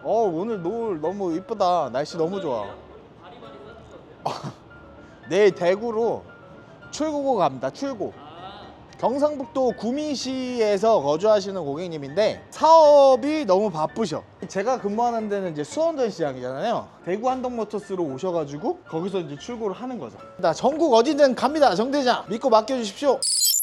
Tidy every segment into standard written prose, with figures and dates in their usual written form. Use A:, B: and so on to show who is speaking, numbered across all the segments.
A: 오늘 노을 너무 이쁘다. 날씨 너무 좋아. 내일 대구로 출고고 갑니다. 출고. 경상북도 구미시에서 거주하시는 고객님인데 사업이 너무 바쁘셔. 제가 근무하는 데는 이제 수원전시장이잖아요. 대구 한동모터스로 오셔가지고 거기서 이제 출고를 하는 거죠. 나 전국 어디든 갑니다. 정대장 믿고 맡겨주십시오.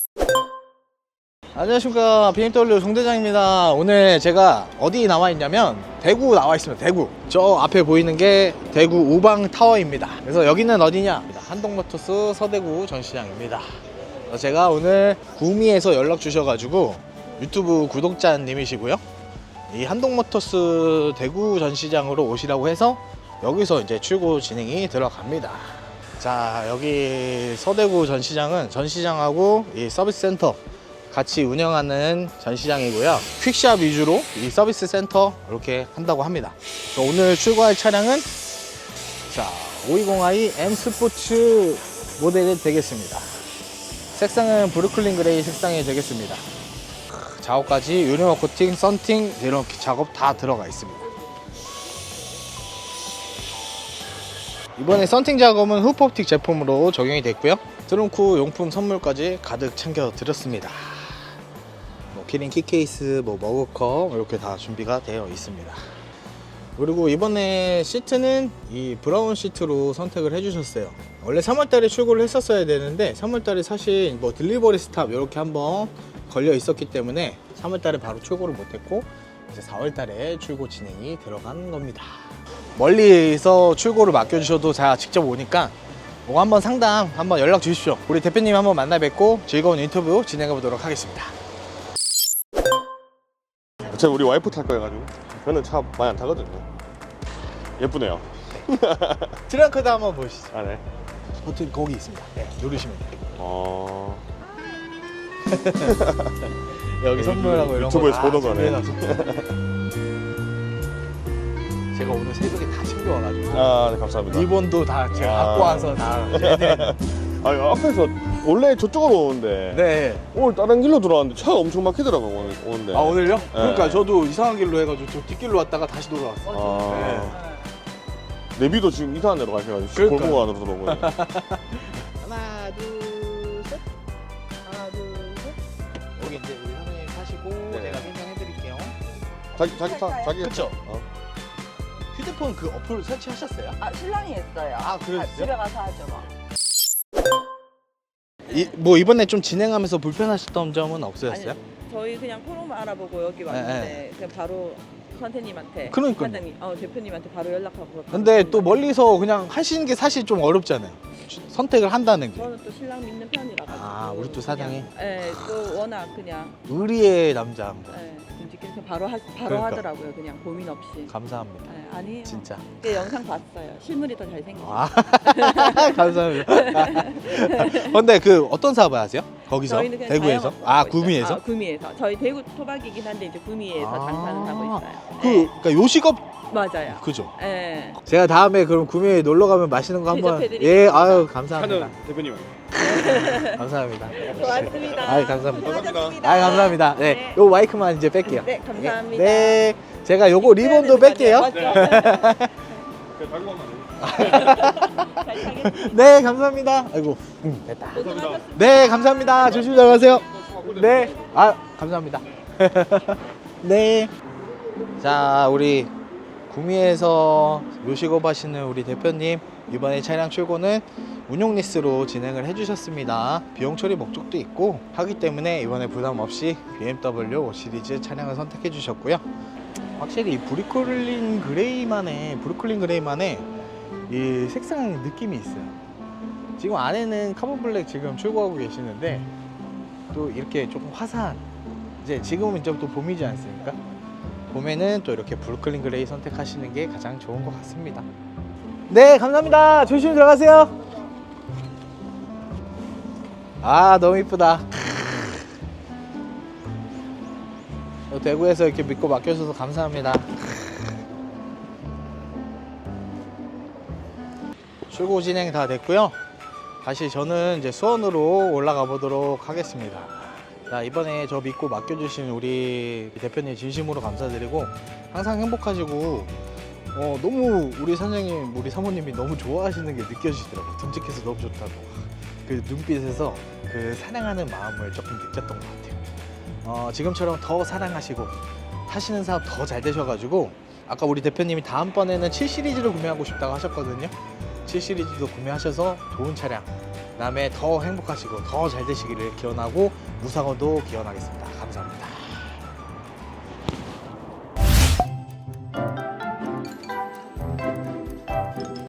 A: 안녕하십니까, BMW 정대장입니다. 오늘 제가 어디 나와 있냐면 대구 나와 있습니다. 대구. 저 앞에 보이는 게 대구 우방타워입니다. 그래서 여기는 어디냐, 한동모터스 서대구 전시장입니다. 제가 오늘 구미에서 연락 주셔가지고 유튜브 구독자님이시고요, 이 한동모터스 대구 전시장으로 오시라고 해서 여기서 이제 출고 진행이 들어갑니다. 자, 여기 서대구 전시장은 전시장하고 이 서비스 센터 같이 운영하는 전시장이고요. 퀵샵 위주로 이 서비스 센터 이렇게 한다고 합니다. 오늘 출고할 차량은 자, 520i M 스포츠 모델이 되겠습니다. 색상은 브루클린 그레이 색상이 되겠습니다. 작업까지 유리막 코팅, 썬팅 이렇게 작업 다 들어가 있습니다. 이번에 썬팅 작업은 후프옵틱 제품으로 적용이 됐고요. 트렁크 용품 선물까지 가득 챙겨 드렸습니다. 키링 키케이스, 머그컵 이렇게 다 준비가 되어 있습니다. 그리고 이번에 시트는 이 브라운 시트로 선택을 해주셨어요. 원래 3월달에 출고를 했었어야 되는데 3월달에 사실 딜리버리 스탑 이렇게 한번 걸려 있었기 때문에 3월달에 바로 출고를 못했고 이제 4월달에 출고 진행이 들어간 겁니다. 멀리서 출고를 맡겨주셔도 제가 직접 오니까 한번 상담 한번 연락 주십시오. 우리 대표님 한번 만나 뵙고 즐거운 인터뷰 진행해 보도록 하겠습니다.
B: 제가 우리 와이프 탈 거여가지고 저는 차 많이 안 타거든요. 예쁘네요.
A: 트렁크도 한번 보시죠.
B: 아, 네.
A: 버튼 거기 있습니다. 네, 누르시면 돼요. 여기 선물하고 이런
B: 유튜브에서
A: 거
B: 보던 거네.
A: 제가 오늘 새벽에 다 챙겨와가지고
B: 아, 네, 감사합니다.
A: 리본도 다 제가 갖고 와서 다 해드리는.
B: 아니, 앞에서 원래 저쪽으로 오는데
A: 네.
B: 오늘 다른 길로 들어왔는데 차가 엄청 막히더라고요. 오는데.
A: 아, 오늘요?
B: 네.
A: 그러니까 저도 이상한 길로 해가지고 저 뒷길로 왔다가 다시 돌아왔어요.
B: 아, 내비도 지금 이상한 데로 가셔가지고 골목 안으로 들어오고.
A: 하나, 둘, 셋. 하나, 둘, 셋. 여기 이제 우리 사모님 타시고
B: 네.
A: 제가 설명해드릴게요.
B: 자기
A: 그쵸? 휴대폰 그 어플 설치하셨어요?
C: 아, 신랑이 했어요.
A: 그러셨어요?
C: 집에 가서 하죠 뭐.
A: 이번에 좀 진행하면서 불편하셨던 점은 없으셨어요?
C: 아니, 저희 그냥 포럼만 알아보고 여기 왔는데 그냥 바로 선생님한테,
A: 그러니까요.
C: 사장님, 대표님한테 바로 연락하고.
A: 근데 또 멀리서 그냥 하시는 게 사실 좀 어렵잖아요. 선택을 한다는 게.
C: 저는 또 신랑 믿는 편이라서.
A: 아, 우리 또 사장이?
C: 네, 또 워낙 그냥
A: 의리의 남자 한 분.
C: 움직이는 바로
A: 그러니까.
C: 하더라고요. 그냥 고민 없이.
A: 감사합니다.
C: 아니에요.
A: 진짜.
C: 그 영상 봤어요. 실물이 더 잘생겼어요.
A: 아, 감사합니다. 근데 그 어떤 사업을 하세요? 거기서?
C: 저희는 그냥
A: 대구에서?
C: 자영업
A: 아,
C: 하고 있어요.
A: 구미에서?
C: 구미에서. 저희 대구 토박이긴 한데 이제 구미에서 장사는 하고 있어요.
A: 그러니까 요식업
C: 맞아요.
A: 그죠?
C: 네.
A: 제가 다음에 그럼 구미에 놀러 가면 맛있는 거 한번.
C: 대접해드릴게요.
A: 예, 아유, 감사합니다.
B: 대표님.
A: 감사합니다.
C: 고맙습니다.
A: 아유, 감사합니다.
C: 수고하셨습니다.
A: 아유, 감사합니다. 네, 요 마이크만 이제 뺄게요.
C: 네, 감사합니다.
A: 네, 제가 요거 리본도 뺄게요.
C: 맞죠?
A: 네, 감사합니다. 아이고, 됐다. 네, 감사합니다. 조심히 잘 가세요. 네, 아, 감사합니다. 네. 자, 우리 구미에서 요식업 하시는 우리 대표님, 이번에 차량 출고는 운용 리스로 진행을 해주셨습니다. 비용 처리 목적도 있고 하기 때문에 이번에 부담 없이 BMW 5 시리즈 차량을 선택해 주셨고요. 확실히 이 브루클린 그레이만의 이 색상 느낌이 있어요. 지금 안에는 카본 블랙 지금 출고하고 계시는데 또 이렇게 조금 화사한, 이제 지금은 이제 또 봄이지 않습니까? 봄에는 또 이렇게 브루클린 그레이 선택하시는 게 가장 좋은 것 같습니다. 네, 감사합니다. 조심히 들어가세요. 아, 너무 이쁘다. 대구에서 이렇게 믿고 맡겨주셔서 감사합니다. 출고 진행 다 됐고요. 다시 저는 이제 수원으로 올라가 보도록 하겠습니다. 자, 이번에 저 믿고 맡겨주신 우리 대표님 진심으로 감사드리고 항상 행복하시고 너무 우리 사장님, 우리 사모님이 너무 좋아하시는 게 느껴지더라고요. 듬직해서 너무 좋다고. 그 눈빛에서 그 사랑하는 마음을 조금 느꼈던 것 같아요. 지금처럼 더 사랑하시고 하시는 사업 더 잘 되셔가지고 아까 우리 대표님이 다음번에는 7 시리즈를 구매하고 싶다고 하셨거든요. 7 시리즈도 구매하셔서 좋은 차량, 그다음에 더 행복하시고 더 잘 되시기를 기원하고 무사고도 기원하겠습니다.